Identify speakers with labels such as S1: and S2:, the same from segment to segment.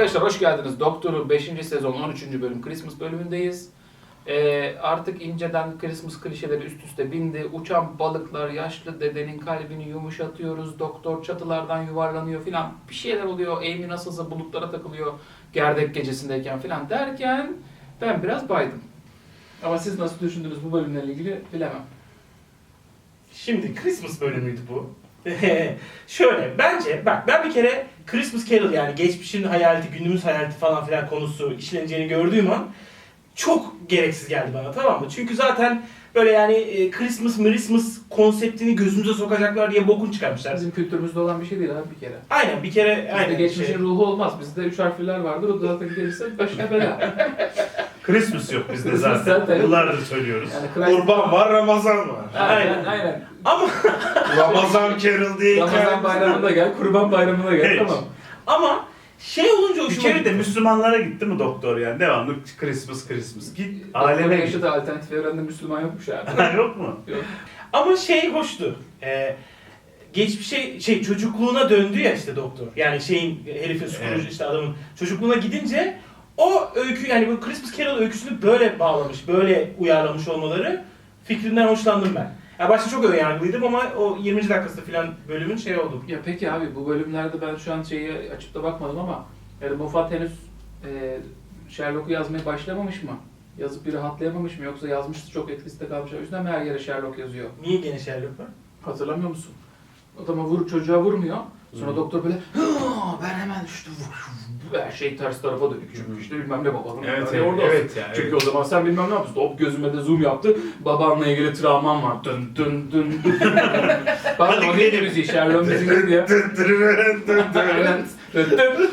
S1: Arkadaşlar hoş geldiniz. Doktor'un 5. sezon 13. bölüm Christmas bölümündeyiz. Artık inceden Christmas klişeleri üst üste bindi. Uçan balıklar, yaşlı dedenin kalbini yumuşatıyoruz. Doktor çatılardan yuvarlanıyor filan. Bir şeyler oluyor. Amy nasılsa bulutlara takılıyor. Gerdek gecesindeyken filan derken ben biraz baydım. Ama siz nasıl düşündünüz bu bölümle ilgili bilemem.
S2: Şimdi Christmas bölümüydü bu. Şöyle, bence bak ben bir kere Christmas Carol yani geçmişin hayaleti, günümüz hayaleti falan filan konusu işleneceğini gördüğüm an çok gereksiz geldi bana, tamam mı? Çünkü zaten böyle yani Christmas konseptini gözümüze sokacaklar diye bokun çıkarmışlar.
S1: Bizim kültürümüzde olan bir şey değil abi bir kere.
S2: Aynen bir kere
S1: Bizde
S2: aynen.
S1: geçmişin ruhu olmaz. Bizde 3 harfliler vardır. O da zaten gelirse başına bela.
S3: Christmas yok bizde
S1: Christmas
S3: zaten.
S1: zaten.
S3: Yıllardır söylüyoruz.
S1: Yani
S4: Kurban var, Ramazan var.
S1: Aynen.
S2: Ama
S4: Ramazan Carol diye
S1: Ramazan bayramına gel, Kurban bayramına gel.
S3: Evet.
S1: Tamam.
S2: ama şey olunca
S3: Bir
S2: hoşuma
S3: kere de
S2: gitti.
S3: Müslümanlara gitti mi doktor yani? Devamlı Christmas. Git
S1: Aleme
S3: aleme git.
S1: yaşadığı alternatif evrende Müslüman yokmuş abi.
S3: Yok mu?
S1: Yok.
S2: Ama şey hoştu. Geçmişe çocukluğuna döndü ya işte doktor. Yani herifin Scrooge
S3: Evet.
S2: işte adamın çocukluğuna gidince o öykü yani bu Christmas Carol öyküsünü böyle bağlamış, böyle uyarlamış olmaları fikrinden hoşlandım ben. Ya başta çok önyargılıydım ama o 20. dakikası falan bölümün şey oldu.
S1: Ya peki abi bu bölümlerde ben şu an şeyi açıp da bakmadım ama yani Moffat henüz Sherlock'u yazmaya başlamamış mı? Yazıp bir rahatlayamamış mı? Yoksa yazmıştı çok etkisinde kalmış. O yüzden mi her yere Sherlock yazıyor?
S2: Niye gene Sherlock var?
S1: Hatırlamıyor musun? Adama çocuğa vurmuyor. Sonra doktor böyle ben hemen işte her şey ters tarafa dönük çünkü işte bilmem ne babanın orada
S3: evet yani.
S1: çünkü o zaman sen bilmem ne yapıyorsun. Hop gözüme de zoom yaptı. Babanla ilgili travman var. Dın dın dın dın. Pardon o neydi müziği? Sherlock müziği neydi ya? Aynen. Dın dın dın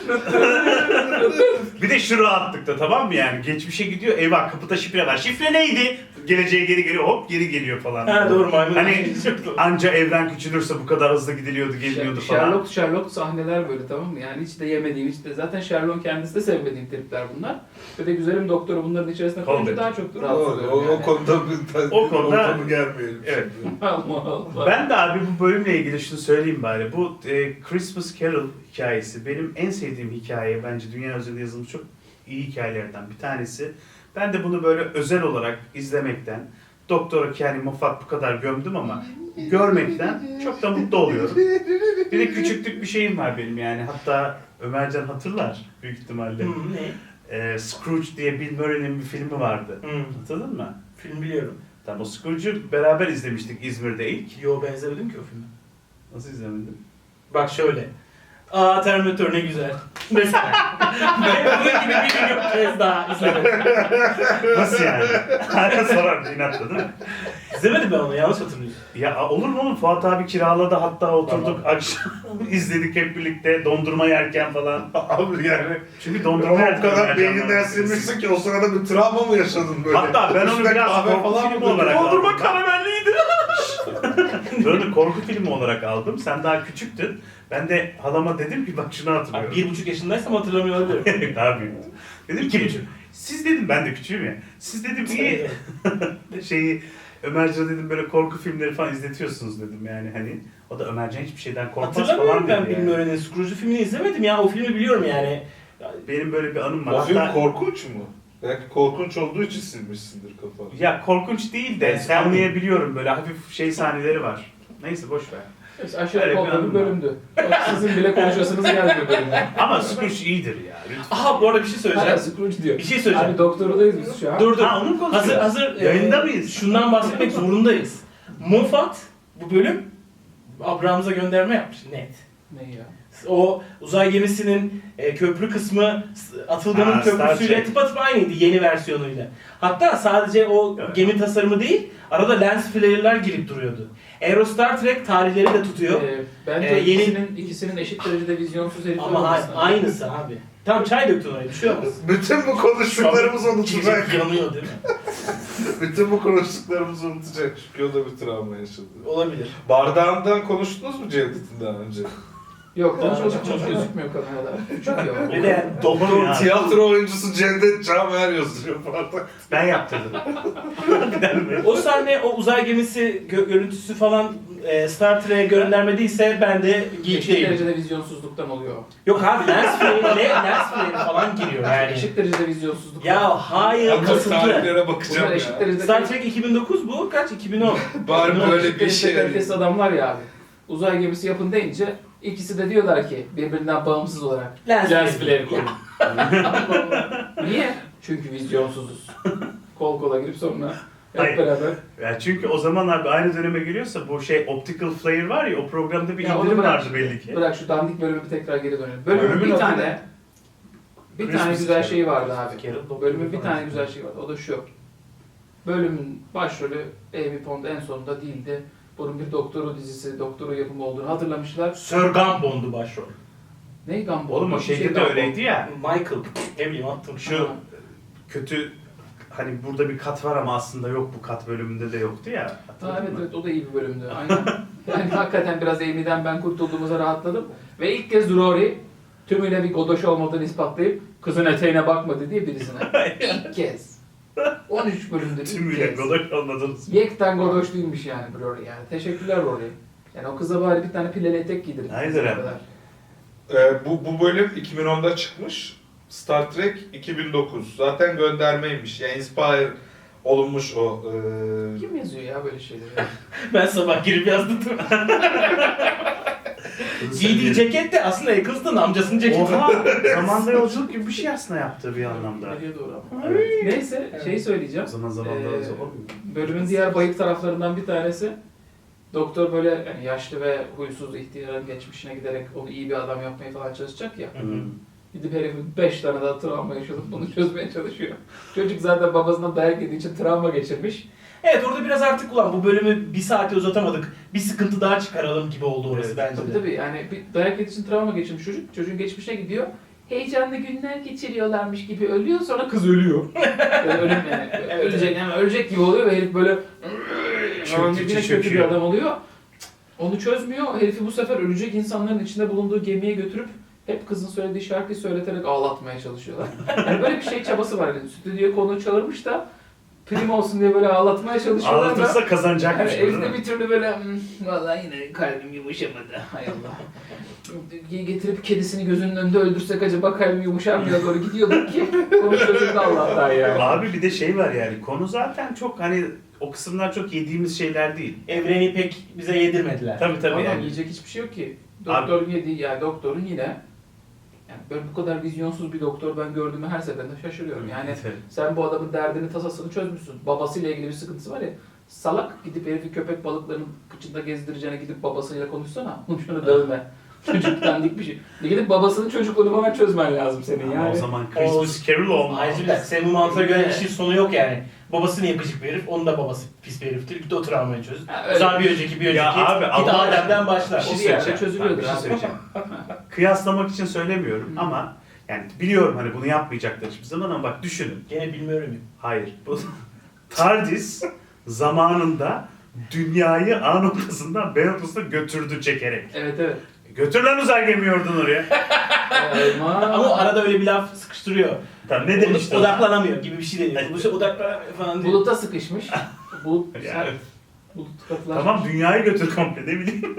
S1: dın dın.
S3: Bir de şu rahatlıkta tamam mı yani? Geçmişe gidiyor, eyvah kapıda şifre var. Şifre neydi? Geleceğe geri geliyor, hop geri geliyor falan.
S2: Ha doğru maymun.
S3: Hani anca evren küçülürse bu kadar hızlı gidiliyordu, geliniyordu falan.
S1: Sherlock sahneler böyle tamam mı? Yani hiç de yemediğim, hiç de zaten Sherlock'un kendisi de sevmediğim tripler bunlar. Ve de güzelim doktoru bunların içerisine koyunca
S3: Callback.
S1: daha çok rahatsız oluyorum
S4: O
S1: yani.
S4: konuda
S3: O konuda-
S4: ortamı gelmeyelim.
S3: Evet.
S4: şimdi.
S1: Allah Allah.
S3: Ben de abi bu bölümle ilgili şunu söyleyeyim bari. Bu Christmas Carol hikayesi benim en sevdiğim hikaye. Bence dünya üzerinde yazılmış çok iyi hikayelerden bir tanesi. Ben de bunu böyle özel olarak izlemekten, Doktor yani Moffat bu kadar gömdüm ama görmekten çok da mutlu oluyorum. Bir de küçüklük bir şeyim var benim yani. Hatta Ömercan hatırlar büyük ihtimalle.
S2: Ne?
S3: Scrooge diye Bill Murray'nin bir filmi vardı. Hatırladın mı?
S2: Film biliyorum.
S3: Tamam o Scrooge'u beraber izlemiştik İzmir'de ilk.
S2: Yo benzemedim ki o filme.
S3: Nasıl izlemedin?
S2: Bak şöyle. Aa Terminator ne güzel. Mesela. Ben bunun gibi bir milyon kez daha izlemedim.
S3: Nasıl yani? Hala sorardı inatla değil mi?
S2: İzlemedim ben onu, yanlış hatırlıyorum.
S3: Ya olur mu oğlum? Fuat abi kiraladı hatta oturduk
S2: Tamam.
S3: akşam izledik hep birlikte dondurma yerken falan.
S4: Abi yani
S3: Çünkü
S4: ama
S3: dondurma
S4: o
S3: yerken
S4: kadar
S3: Ömercan'la
S4: beyninden
S3: biz-
S4: silmişsin ki o sırada bir travma mı yaşadın böyle?
S3: Hatta ben onu
S4: Üstüne
S3: biraz
S4: kahve
S3: korku
S4: falan
S3: filmi
S4: mı
S3: olarak
S4: döküldü?
S3: aldım.
S2: Dondurma karamelliydi.
S3: Ben onu korku filmi olarak aldım. Sen daha küçüktün. Ben de halama dedim ki bak şunu hatırlıyorum.
S2: 1,5 yaşındaysam hatırlamıyor olabilirim.
S3: Daha büyüktü. Dedim ki
S2: 2,5.
S3: siz dedim ben de küçüğüm ya. Siz dedim iyi Ömercan dedim böyle korku filmleri falan izletiyorsunuz dedim yani hani. O da Ömercan hiçbir şeyden korkmaz
S2: Hatırlamıyorum
S3: falan
S2: ben
S3: dedi yani.
S2: bilmiyorum öğrenin. Scrooge filmini izlemedim ya. O filmi biliyorum yani.
S3: Benim böyle bir anım var.
S4: O film
S3: Hatta-
S4: korkunç mu? Belki korkunç olduğu için silmişsindir kafanı.
S3: Ya korkunç değil de
S2: Ben
S3: anlayabiliyorum böyle hafif sahneleri var. Neyse boş ver.
S1: Neyse, aşağı
S3: Öyle bir
S1: yukarı bir
S3: anım
S1: bölümdü. Bak, sizin bile konuşasınız gelmiyor bölümde.
S3: Ama Scrooge iyidir ya. Lütfen.
S2: Aha bu arada bir şey
S1: Hala
S2: söyleyeceğim.
S1: Scrooge diyor.
S2: Bir şey söyleyeceğim.
S1: Abi doktorudayız biz şu an.
S2: Dur.
S3: Ha onu konuşuyoruz.
S2: Hazır
S3: Yayında mıyız?
S2: Şundan bahsetmek zorundayız. Moffat bu bölüm Abrahams'a gönderme yapmış net.
S1: Ne ya?
S2: O uzay gemisinin köprü kısmı Atılgan'ın
S3: Ha, Star
S2: köprüsüyle
S3: Trek.
S2: tıpatıp aynıydı yeni versiyonuyla. Hatta sadece o
S3: Evet.
S2: gemi tasarımı değil, arada lens flare'lar girip duruyordu. Aero Star Trek tarihleri de tutuyor.
S1: Bence
S2: Yeni-
S1: ikisinin eşit derecede vizyonsuz herifler
S2: Ama
S1: olmasına.
S2: aynısı abi. Tam çay döktün oraya, bir şey olmaz.
S4: Bütün bu konuştuklarımızı unutacak.
S2: Çiçek yanıyor değil mi?
S4: Bütün bu konuştuklarımızı unutacak. Çünkü o da bir travma yaşadı.
S2: Olabilir.
S4: Bardağından konuştunuz mu Cevdet'in daha önce?
S1: Yok, konuşması çok gözükmüyor kamerada. Küçük ya.
S2: Ve de yani doktor
S3: Ya.
S4: Tiyatro oyuncusu Cevdet Camer yazıyor falan.
S3: Ben yaptırdım.
S2: o sahne, o uzay gemisi görüntüsü falan Star Trek'e göndermediyse ben de geek
S1: Eşit
S2: değilim.
S1: derecede vizyonsuzluktan oluyor.
S2: Yok abi lens flare falan giriyor yani.
S1: Eşit derecede vizyonsuzluk.
S2: Ya hayır
S4: Ama
S2: kasıtlı.
S4: tarihlere bakacağım
S1: Bunlar eşit
S4: ya.
S1: derecede
S2: Star Trek 2009 bu kaç? 2010.
S4: Bari böyle
S1: eşit
S4: bir
S1: derecede
S4: şey.
S1: kalitesiz adamlar ya abi. Uzay gemisi yapın deyince ikisi de diyorlar ki birbirinden bağımsız olarak
S2: Lens
S1: lens
S2: flare.
S1: flare koyun. Niye? Çünkü vizyonsuzuz. Kol kola girip sonra
S3: Hayır.
S1: hep beraber.
S3: Ya çünkü o zaman abi aynı döneme geliyorsa bu şey optical flare var ya o programda bir
S1: Ya onu
S3: indirim
S1: bırak
S3: vardı
S1: şimdi.
S3: belli ki.
S1: Bırak şu dandik bölümü bir tekrar geri dönelim. Bölümün
S3: Bölümün
S1: bir
S3: adı
S1: tane
S3: ne?
S1: bir
S3: Christmas
S1: tane güzel
S3: Carol.
S1: şeyi vardı abi.
S2: Carol,
S1: Bölümün bir
S2: falan.
S1: tane güzel şeyi vardı. O da şu. Bölümün başrolü Amy Pond en sonunda değildi. Bunun bir doktoru dizisi, doktoru yapımı olduğunu hatırlamışlar.
S2: Sir Gumbond'u başrol.
S1: Ne Gumball?
S3: Oğlum o
S1: Bir şey
S3: şeyde de
S1: Gumball.
S3: öyleydi ya.
S2: Michael. Ne bileyim attım.
S3: Şu kötü hani burada bir kat var ama aslında yok bu kat bölümünde de yoktu ya.
S1: Ha,
S3: Hatırladın
S1: evet
S3: mı?
S1: evet o da iyi bir bölümdü. Aynen. Yani hakikaten biraz Amy'den ben kurtulduğumuza rahatladım. Ve ilk kez Rory tümüyle bir godoş olmadığını ispatlayıp kızın eteğine bakmadı diye birisine. İlk kez. 13 bölümdür ilk
S3: Tümüyle
S1: kez.
S3: godoş olmadınız.
S1: Yekten godoş değilmiş yani Rory yani. Teşekkürler Rory. Yani o kıza bari bir tane pileli etek giydirin.
S3: Hayır abi.
S4: Bu bölüm 2010'da çıkmış. Star Trek 2009. Zaten göndermeymiş. Yani inspire olunmuş o.
S1: Kim yazıyor ya böyle şeyleri?
S2: Ben sabah girip yazdım. Giydiği ceket de aslında Eccleston amcasının ceketi.
S3: Oha! Zamanda yolculuk gibi bir şey aslında yaptı bir anlamda.
S1: Nereye doğru ama.
S3: Evet.
S1: Neyse şeyi söyleyeceğim.
S3: O zaman zamanda
S1: Ee,
S3: yolculuk olmuyor.
S1: Bölümün diğer bayık taraflarından bir tanesi doktor böyle yani yaşlı ve huysuz ihtiyarın geçmişine giderek onu iyi bir adam yapmaya falan çalışacak ya.
S3: Hı.
S1: Gidip herifin 5 tane daha travma yaşadıp bunu çözmeye çalışıyor. Çocuk zaten babasından dayak yediği için travma geçirmiş.
S2: Evet orada biraz artık ulan bu bölümü bir saate uzatamadık. Bir sıkıntı daha çıkaralım gibi oldu orası
S3: Evet,
S2: bence
S1: Tabii
S2: de.
S1: tabii yani bir dayak yediği için travma geçirmiş çocuk. Çocuğun geçmişine gidiyor. Heyecanlı günler geçiriyorlarmış gibi ölüyor sonra kız ölüyor. Böyle ölüm yani.
S2: Evet,
S1: ölecek, yani ölecek gibi oluyor ve herif böyle yine kötü bir
S3: çöküyor.
S1: adam oluyor. Onu çözmüyor. Herifi bu sefer ölecek insanların içinde bulunduğu gemiye götürüp hep kızın söylediği şarkıyı söyleterek ağlatmaya çalışıyorlar. Yani böyle bir şey çabası var. Yani stüdyoya konu çağırmış da prim olsun diye böyle ağlatmaya çalışıyorlar da.
S3: Ağlatırsa kazanacakmış
S1: Yani
S3: bu, değil
S1: evde
S3: mi?
S1: bir türlü böyle vallahi yine kalbim yumuşamadı. Hay Allah. Getirip kedisini gözünün önünde öldürsek acaba kalbim yumuşar mı ya doğru gidiyorduk ki konu çözüldü Allah'tan ya.
S3: Abi bir de şey var yani konu zaten çok hani o kısımlar çok yediğimiz şeyler değil.
S2: Evreni pek bize yedirmediler.
S3: Tabii tabii
S1: Adam
S3: yani.
S1: yiyecek hiçbir şey yok ki. Doktorun yediği yani doktorun yine yani böyle bu kadar vizyonsuz bir doktor ben gördüğümü her seferinde şaşırıyorum. Yani
S3: Evet.
S1: sen bu adamın derdini tasasını çözmüşsün. Babasıyla ilgili bir sıkıntısı var ya. Salak gidip herifi köpek balıklarının kıçında gezdireceğine gidip babasıyla konuşsana. Şunu dövme. Çocuktan dik bir şey. Gidip babasının çocukluğunu bana çözmen lazım senin
S3: Ama
S1: yani.
S3: o zaman Christmas Carol olmaz.
S2: Ayrıca senin bu mantığa göre işin sonu yok yani. Babası niye gıcık bir herif, onun da babası pis bir heriftir. Git o travmayı çöz.
S1: Ha,
S2: O
S1: öyle.
S2: zaman bir önceki.
S3: Ya abi,
S2: Git
S3: Allah
S2: Adem'den
S3: aşkına.
S2: başla.
S3: Bir şey
S1: O bir yerde
S3: söyleyeceğim.
S1: çözülüyordur
S3: Bir şey
S1: abi.
S3: söyleyeceğim. Kıyaslamak için söylemiyorum
S1: Hı.
S3: ama yani biliyorum hani bunu yapmayacaklar hiçbir zaman ama bak düşünün.
S2: Gene bilmiyorum ya.
S3: Hayır. Bu TARDIS zamanında dünyayı A noktasından B noktasına götürdü çekerek.
S1: Evet evet.
S3: Götür lan uzay gemiyi oradan oraya.
S2: Ama o arada öyle bir laf sıkıştırıyor.
S3: Tamam ne demişti?
S2: Odaklanamıyor gibi bir şey deniyor. Bu odaklanamıyor falan diyor.
S1: Buluta sıkışmış. Bulut,
S3: Yani,
S1: bulut katılaşmış.
S3: tamam dünyayı götür komple ne bileyim.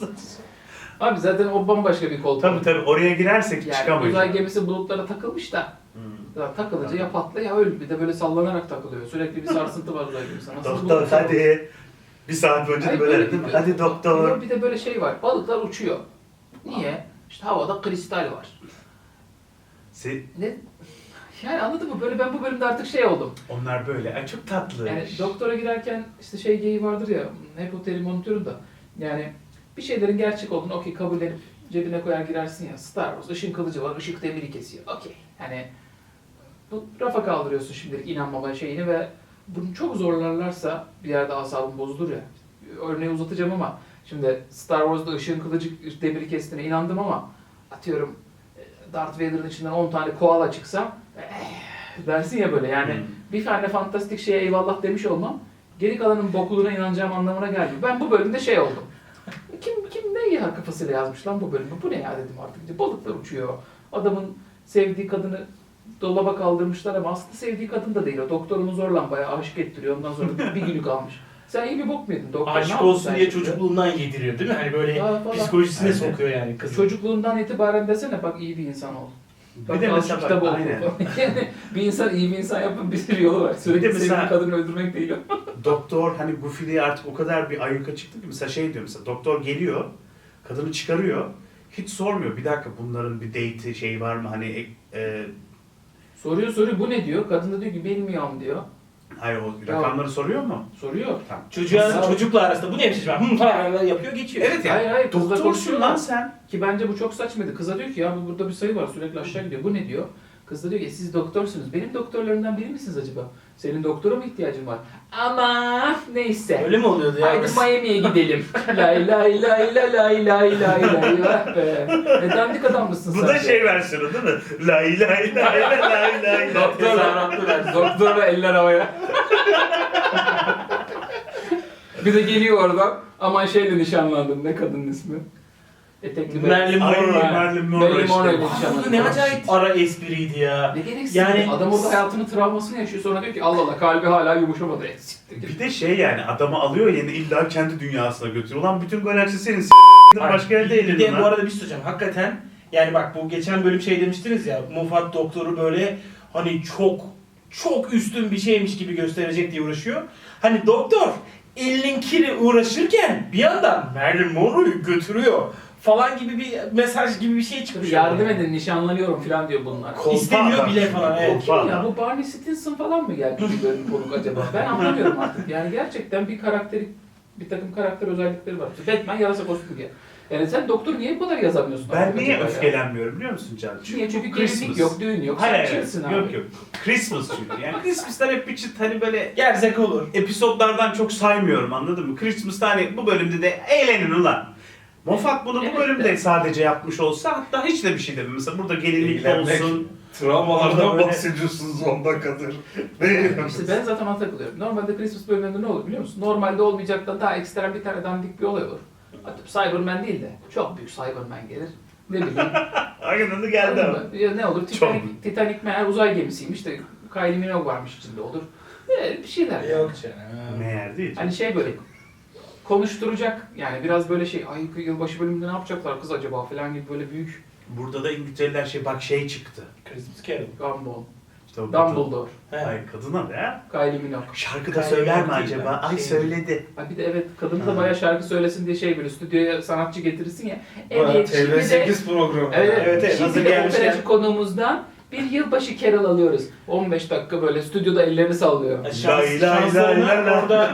S1: Abi zaten o bambaşka bir koltuk.
S3: tabii tabii oraya girersek
S1: Yani
S3: çıkamayız.
S1: uzay gemisi bulutlara takılmış da.
S3: Hmm.
S1: Ya takılınca ya patla ya öl. Bir de böyle sallanarak takılıyor. Sürekli bir sarsıntı var uzay gemisinde. Nasıl
S3: Doktor
S1: bulut-
S3: hadi. Bir saat önce de
S1: Hayır,
S3: böyle
S1: böyle
S3: değil mi?
S1: bir-
S3: Hadi doktor.
S1: Bir de böyle şey var. Balıklar uçuyor. Niye? İşte havada kristal var. Ne? Yani anladın mı? Böyle ben bu bölümde artık şey oldum.
S3: Onlar böyle. Ay çok tatlı.
S1: Yani doktora girerken işte şey geyiği vardır ya, hep o terimi unutuyorum da. Yani bir şeylerin gerçek olduğunu okey kabullenip cebine koyar girersin ya. Star Wars, ışın kılıcı var, ışık demiri kesiyor. Okey. Yani bu rafa kaldırıyorsun şimdilik inanmama şeyini ve bunu çok zorlarlarsa bir yerde asabın bozulur ya. Örneği uzatacağım ama şimdi Star Wars'da ışığın kılıcı demiri kestiğine inandım ama atıyorum Darth Vader'ın içinden 10 tane koala çıksa dersin ya böyle yani bir tane fantastik şeye eyvallah demiş olmam geri kalanın bokluğuna inanacağım anlamına gelmiyor. Ben bu bölümde şey oldum. Kim ne ya kafasıyla yazmış lan bu bölümü. Bu ne ya dedim artık. Balıklar uçuyor. Adamın sevdiği kadını dolaba kaldırmışlar ama aslında sevdiği kadın da değil. O doktor onu zorla bayağı aşık ettiriyor. Ondan sonra bir günü kalmış. Sen iyi bir bok mu yedin? Doktor ne
S2: Aşık
S1: yaptı
S2: olsun
S1: sen
S2: diye
S1: şimdi?
S2: çocukluğundan yediriyor değil mi? Hani böyle
S1: Ya falan.
S2: psikolojisine
S3: Aynen.
S2: sokuyor yani kızı.
S1: Çocukluğundan itibaren desene bak iyi bir insan ol. Bak,
S3: Bir de
S1: az şu
S3: mesela
S1: kitabı
S3: bak,
S1: oku
S3: aynen.
S1: falan. Yani bir insan iyi bir insan yapmanın bir sürü yolu var.
S3: Bir
S1: Sürekli
S3: de mesela-
S1: sevdiği kadını öldürmek değil o.
S3: Doktor hani Goofy'liğe artık o kadar bir ayyuka çıktı ki mesela şey diyor mesela doktor geliyor, kadını çıkarıyor, hiç sormuyor. Bir dakika bunların bir date'i şey var mı hani
S1: Soruyor bu ne diyor? Kadın da diyor ki bilmiyorum diyor.
S3: hayır o rakamları soruyor mu?
S1: Soruyor.
S3: Tamam.
S2: Çocukla arasında bu neymiş ben falan yapıyor geçiyor.
S3: Evet ya.
S1: Hayır kızla
S3: Doktorsun
S1: konuşuyorlar.
S3: lan sen.
S1: Ki bence bu çok saçmaydı. Kıza diyor ki ya burada bir sayı var sürekli aşağı gidiyor. Bu ne diyor? Kız da diyor ki siz doktorsunuz. Benim doktorlarımdan biri misiniz acaba? Senin doktora mı ihtiyacın var? Ama neyse.
S2: Öyle mi oluyordu ya?
S1: Haydi Miami'ye gidelim. Lay lay lay lay lay lay lay lay vah be. Ne dandik adam mısın sen?
S3: Bu da şey versiyonu değil mi? Lay lay lay lay lay lay.
S1: Doktorla eller havaya. Bir de geliyor oradan. Aman şeyle nişanlandım. Ne kadının ismi? Etekli
S2: Marilyn
S3: Ay
S2: Monroe.
S3: Marilyn Monroe
S1: Marilyn Monroe ile
S3: işte.
S1: nişanlandım.
S2: Ne acayip ara espriydi ya.
S1: Ne gereksiz.
S2: Yani-
S1: Adam orada hayatının travmasını yaşıyor. Sonra diyor ki Allah Allah kalbi hala yumuşamadı. Siktir git.
S3: Bir de şey yani adamı alıyor yine illa kendi dünyasına götürüyor. Ulan bütün galaksi senin
S2: Ay,
S3: başka yerde
S2: bir
S3: eğlenin
S2: de bu
S3: lan.
S2: arada bir şey söyleyeceğim. Hakikaten yani bak bu geçen bölüm şey demiştiniz ya Moffat doktoru böyle hani çok üstün bir şeymiş gibi gösterecek diye uğraşıyor. Hani doktor elinin kiri uğraşırken bir yandan Marilyn Monroe'yu götürüyor falan gibi bir mesaj gibi bir şey çıkmış.
S1: Yardım
S2: orada.
S1: edin nişanlanıyorum falan diyor bunlar.
S3: Kolpa
S2: İstemiyor
S3: adam
S2: bile
S3: çünkü,
S2: falan, evet.
S3: kolpa
S1: Kim ya
S3: adam.
S1: bu Barney Stinson falan mı geldi bir bölüm konuk acaba? Ben anlamıyorum artık. Yani gerçekten bir takım karakter özellikleri var. Batman yarasa kostümü giyer. Yani sen doktor niye bu kadar yazamıyorsun?
S3: Ben
S1: artık
S3: niye
S1: acaba ya?
S3: öfkelenmiyorum biliyor musun Can?
S1: Niye? Çünkü
S3: bu
S1: gelinlik yok, düğün yok.
S3: Hayır
S1: Sen
S3: hayır.
S1: chillsin abi.
S3: Yok yok. Christmas çünkü. Yani Christmas'lar hep bir çıt hani böyle
S2: Gerzek olur.
S3: episodlardan çok saymıyorum anladın mı? Christmas'ta hani bu bölümde de eğlenin ulan. Moffat bunu
S1: Evet
S3: bu bölümde
S1: de.
S3: sadece yapmış olsa hatta hiç de bir şey demem. Mesela burada gelinlik
S4: Eğlenmek.
S3: olsun.
S4: Travmalardan
S3: Orada böyle-
S4: bahsediyorsunuz 10 dakikadır. Ne
S1: İşte ben zaten ona takılıyorum. Normalde Christmas bölümlerinde ne olur biliyor musun? Normalde olmayacaktan daha ekstrem bir tane dandik bir olay olur. Hatta Cyberman değil de çok büyük Cyberman gelir. Ne bileyim.
S3: Aynen öyle geldi ama.
S1: Ya ne olur?
S3: Çok.
S1: Titanic meğer uzay gemisiymiş de Kylie Minogue varmış içinde olur. Bir şeyler. yani.
S2: Yok canım.
S3: Meğer değil.
S1: Hani şey böyle konuşturacak yani biraz böyle şey ay yılbaşı bölümünde ne yapacaklar kız acaba falan gibi böyle büyük
S3: Burada da İngilizceler şey bak şey çıktı.
S2: Christmas Carol.
S1: Gumball,
S3: İşte o kadın.
S1: Dumbledore,
S2: He.
S3: Ay kadına da
S1: Kylie Minogue.
S3: şarkı da
S2: Kylie
S3: söyler mi
S2: Minogue değil
S3: acaba?
S2: ben.
S3: Ay
S2: Şey-
S3: söyledi.
S1: Ha bir de evet kadın da
S3: Ha.
S1: bayağı şarkı söylesin diye şey böyle stüdyoya sanatçı getirirsin ya.
S4: Evet,
S1: Evet şimdi de
S4: TV8 programı.
S1: evet,
S2: Evet, hazır
S1: şimdi de
S2: gelmişken.
S1: operacı konuğumuzdan bir yılbaşı Carol alıyoruz. 15 dakika böyle stüdyoda ellerini sallıyor.
S3: Lay lay lay lay lay.
S2: Orada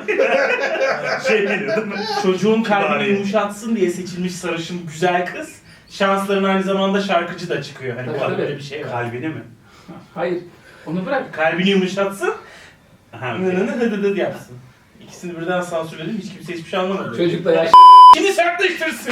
S3: Şey geliyor değil mi?
S2: çocuğun kalbini
S3: Bari.
S2: yumuşatsın diye seçilmiş sarışın güzel kız. Şansların aynı zamanda şarkıcı da çıkıyor. Hani
S1: Tabii,
S2: bu
S1: tabii.
S2: böyle bir şey var.
S3: Kalbini mi?
S1: Hayır onu bırak.
S2: Kalbini yumuşatsın,
S3: Ha,
S2: nı hıdıdıd yapsın. İkisini birden sansürledim, hiç kimse hiçbir şey anlamadı.
S1: Çocuk da yaş.
S2: Şimdi sertleştirsin.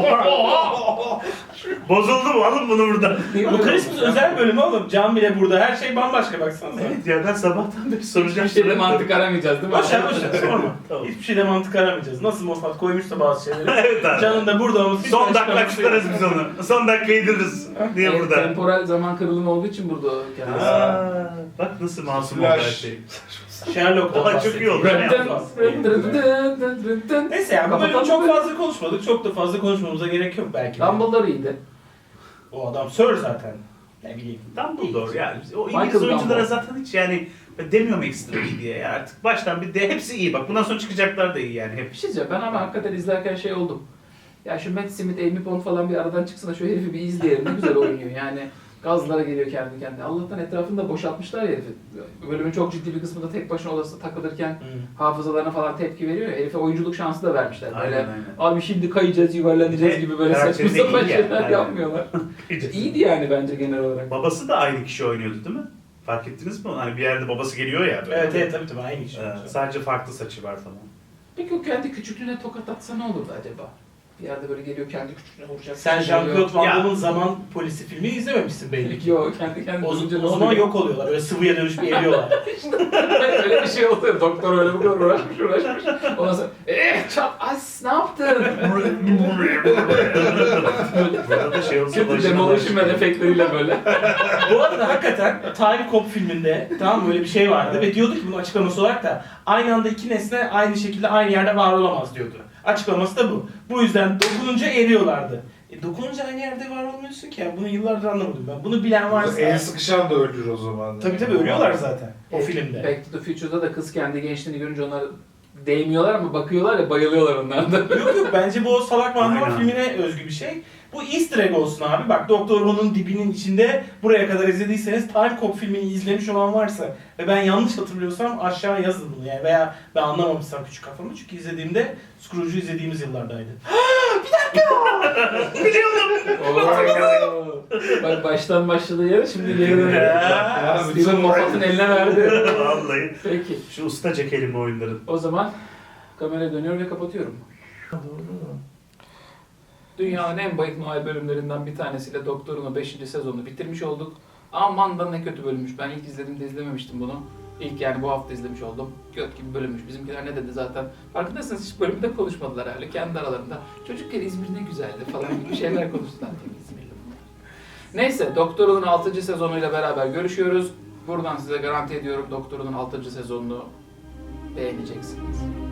S3: Oha! Bozuldu mu? Alın bunu buradan.
S2: Bu Christmas özel bölümü oğlum. Can bile burada. Her şey bambaşka baksanıza.
S3: Evet ya ben sabahtan beri soracağım.
S1: Bir şeyde mantık aramayacağız değil mi?
S2: Boş ver sorma.
S3: Tamam.
S2: Hiçbir şeyde mantık aramayacağız. Nasıl Moffat koymuşsa bazı şeyleri.
S3: Evet abi.
S2: Can'ın da burada olması.
S3: Son
S2: hiç
S3: dakika
S2: açıklaması yok.
S3: tutarız biz onu. Son dakika yediririz. Niye
S1: Evet,
S3: burada?
S1: temporal zaman kırılımı olduğu için burada o kendisi.
S3: Aa, bak nasıl masum oldu her
S4: Flash.
S3: şey.
S2: Sherlock'tan
S3: Daha çok iyi
S2: bahsediyor.
S3: oldu. Ne
S2: Neyse ya bu bölüm
S1: Kapatalım
S2: çok
S1: mı?
S2: fazla konuşmadık. Çok da fazla konuşmamıza gerek yok belki. de.
S1: Dumbledore iyiydi.
S2: O adam Sir zaten. Ne bileyim.
S3: Dumbledore yani. O
S1: Michael
S3: İngiliz oyunculara
S1: Dumbledore.
S3: zaten hiç yani ben demiyorum ekstra iyi diye ya artık baştan bir de hepsi iyi bak bundan sonra çıkacaklar da iyi yani hep.
S1: Bir şey diyeceğim ben ama hakikaten izlerken şey oldum. Ya şu Matt Smith, Amy Pond falan bir aradan çıksın da şu herifi bir izleyelim. Ne güzel oynuyor yani. Gazlara geliyor kendi kendine. Allah'tan etrafında boşaltmışlar ya herifi. Bölümün çok ciddi bir kısmında tek başına odasında takılırken hafızalarına falan tepki veriyor ya. Herife oyunculuk şansı da vermişler. Böyle
S3: Aynen aynen.
S1: abi şimdi kayacağız, yuvarlanacağız gibi böyle saçma
S3: Karakteri de
S1: sapan
S3: iyi ya.
S1: şeyler
S3: Aynen.
S1: yapmıyorlar. İyiydi yani bence genel olarak.
S3: Babası da aynı kişi oynuyordu değil mi? Fark ettiniz mi? Hani bir yerde babası geliyor ya. Böyle.
S2: Evet tabii aynı şey.
S3: Sadece farklı saçı var falan.
S1: Peki o kendi küçüklüğüne tokat atsa ne olurdu acaba? Bir yerde böyle geliyor kendi küçüğüne vuracak.
S2: Sen
S1: Bir şey
S2: Jean-Claude
S1: geliyor.
S2: Van
S3: Ya.
S2: Damme'ın Zaman Polisi filmi izlememişsin belli ki.
S1: Yok kendi kendine
S2: O,
S1: durunca ne
S2: o zaman
S1: oluyor?
S2: yok oluyorlar. Öyle sıvıya dönüşüp eriyorlar.
S1: Öyle bir şey oluyor. Doktor öyle bu kadar uğraşmış. Ondan sonra çat as ne yaptın?
S3: Burada da şey olsa
S1: Kötü
S3: başına
S1: demolition
S3: başlıyor.
S1: efektleriyle böyle.
S2: Bu arada hakikaten Time Cop filminde tamam mı, böyle bir şey vardı ve diyordu ki bunun açıklaması olarak da aynı anda iki nesne aynı şekilde aynı yerde var olamaz diyordu. Açıklaması da bu. Bu yüzden dokununca eriyorlardı. Dokununca aynı yerde var olmuyorsun ki ya. Bunu yıllardır anlamadım ben. Bunu bilen varsa...
S4: El sıkışan da ölür o zaman.
S2: Tabii tabii ölüyorlar zaten o filmde.
S1: Back to the Future'da da kız kendi gençliğini görünce onlar değmiyorlar ama bakıyorlar ya bayılıyorlar onlardan.
S2: Yok yok, bence bu o Salak Van Damme
S3: Aynen.
S2: filmine özgü bir şey. Bu easter egg olsun abi. Bak Doktor Who'nun dibinin içinde buraya kadar izlediyseniz Time Cop filmini izlemiş olan varsa ve ben yanlış hatırlıyorsam aşağı yazın bunu yani, veya ben anlamamışsam küçük kafamı, çünkü izlediğimde Scrooge'u izlediğimiz yıllardaydı.
S1: Oo. Bak baştan başladığı yere şimdi geri dönüyor.
S2: Ya,
S1: Steven Moffat'ın eline verdi.
S3: Vallahi.
S1: Peki.
S3: Şu ustaca kelime oyunları.
S1: O zaman kameraya dönüyorum ve kapatıyorum. Dünyanın en bayık Noel bölümlerinden bir tanesiyle Doktor'un 5. sezonunu bitirmiş olduk. Aman da ne kötü bölümmüş. Ben ilk izlediğimde izlememiştim bunu. İlk yani bu hafta izlemiş oldum. Göt gibi bölünmüş. Bizimkiler ne dedi zaten. Farkındaysanız hiç bölümde konuşmadılar hala kendi aralarında. Çocukken İzmir ne güzeldi falan gibi şeyler konuştular. Tabii İzmirli bunlar. Neyse Doktor'un 6. sezonuyla beraber görüşüyoruz. Buradan size garanti ediyorum Doktor'un 6. sezonunu beğeneceksiniz.